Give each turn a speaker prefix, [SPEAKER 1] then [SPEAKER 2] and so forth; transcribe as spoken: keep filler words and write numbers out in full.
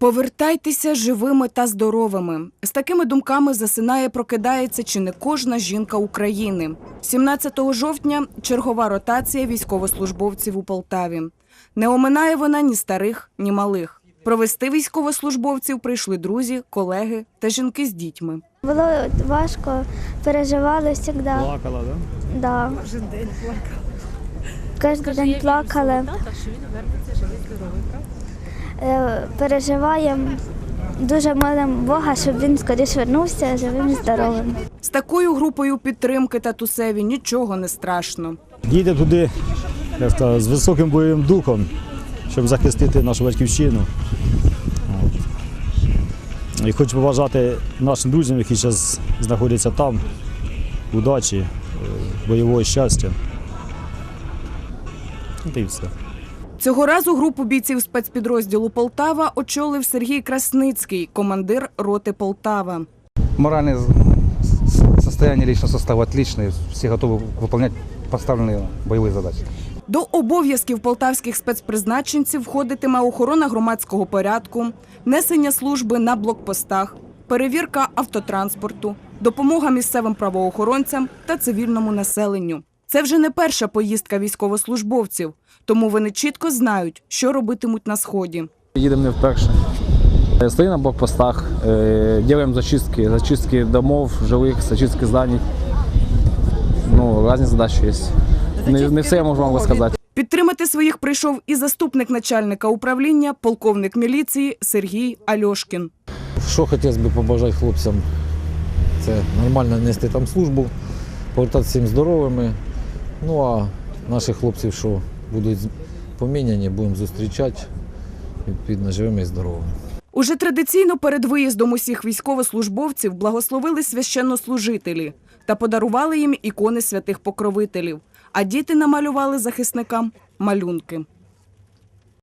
[SPEAKER 1] Повертайтеся живими та здоровими. З такими думками засинає, прокидається чи не кожна жінка України. сімнадцятого жовтня – чергова ротація військовослужбовців у Полтаві. Не оминає вона ні старих, ні малих. Провести військовослужбовців прийшли друзі, колеги та жінки з дітьми.
[SPEAKER 2] Було важко, переживали завжди.
[SPEAKER 3] Плакала, так?
[SPEAKER 2] Да.
[SPEAKER 4] Кожен день плакала.
[SPEAKER 2] Кожен день плакали.
[SPEAKER 4] Що він вернеться живий, здоровий, правда?
[SPEAKER 2] Е, Переживаємо, дуже молимо Бога, щоб він скоріше вернувся живим і здоровим.
[SPEAKER 1] З такою групою підтримки татусеві нічого не страшно.
[SPEAKER 3] Їде туди, як сказати, з високим бойовим духом, щоб захистити нашу батьківщину. От. І хочу побажати нашим друзям, які зараз знаходяться там, удачі, е, бойового щастя. От і все.
[SPEAKER 1] Цього разу групу бійців спецпідрозділу «Полтава» очолив Сергій Красницький, командир роти «Полтава».
[SPEAKER 5] Моральное состояние личного состава отличное, все готовы выполнять поставленные боевые задачи.
[SPEAKER 1] До обов'язків полтавських спецпризначенців входитиме охорона громадського порядку, несення служби на блокпостах, перевірка автотранспорту, допомога місцевим правоохоронцям та цивільному населенню. Це вже не перша поїздка військовослужбовців, тому вони чітко знають, що робитимуть на Сході.
[SPEAKER 6] Їдемо не вперше. Стоїмо на блокпостах, робимо зачистки, зачистки домов, жилих, зачистки зданий. Ну, різні задачі є. Не, не все я можу вам розказати.
[SPEAKER 1] Підтримати своїх прийшов і заступник начальника управління, полковник міліції Сергій Альошкін.
[SPEAKER 7] Що хотілося б побажати хлопцям, це нормально нести там службу, повертатися всім здоровими. Ну а наших хлопців, що будуть поміняні, будемо зустрічати, відповідно, живими і здоровими.
[SPEAKER 1] Уже традиційно перед виїздом усіх військовослужбовців благословили священнослужителі та подарували їм ікони святих покровителів, а діти намалювали захисникам малюнки.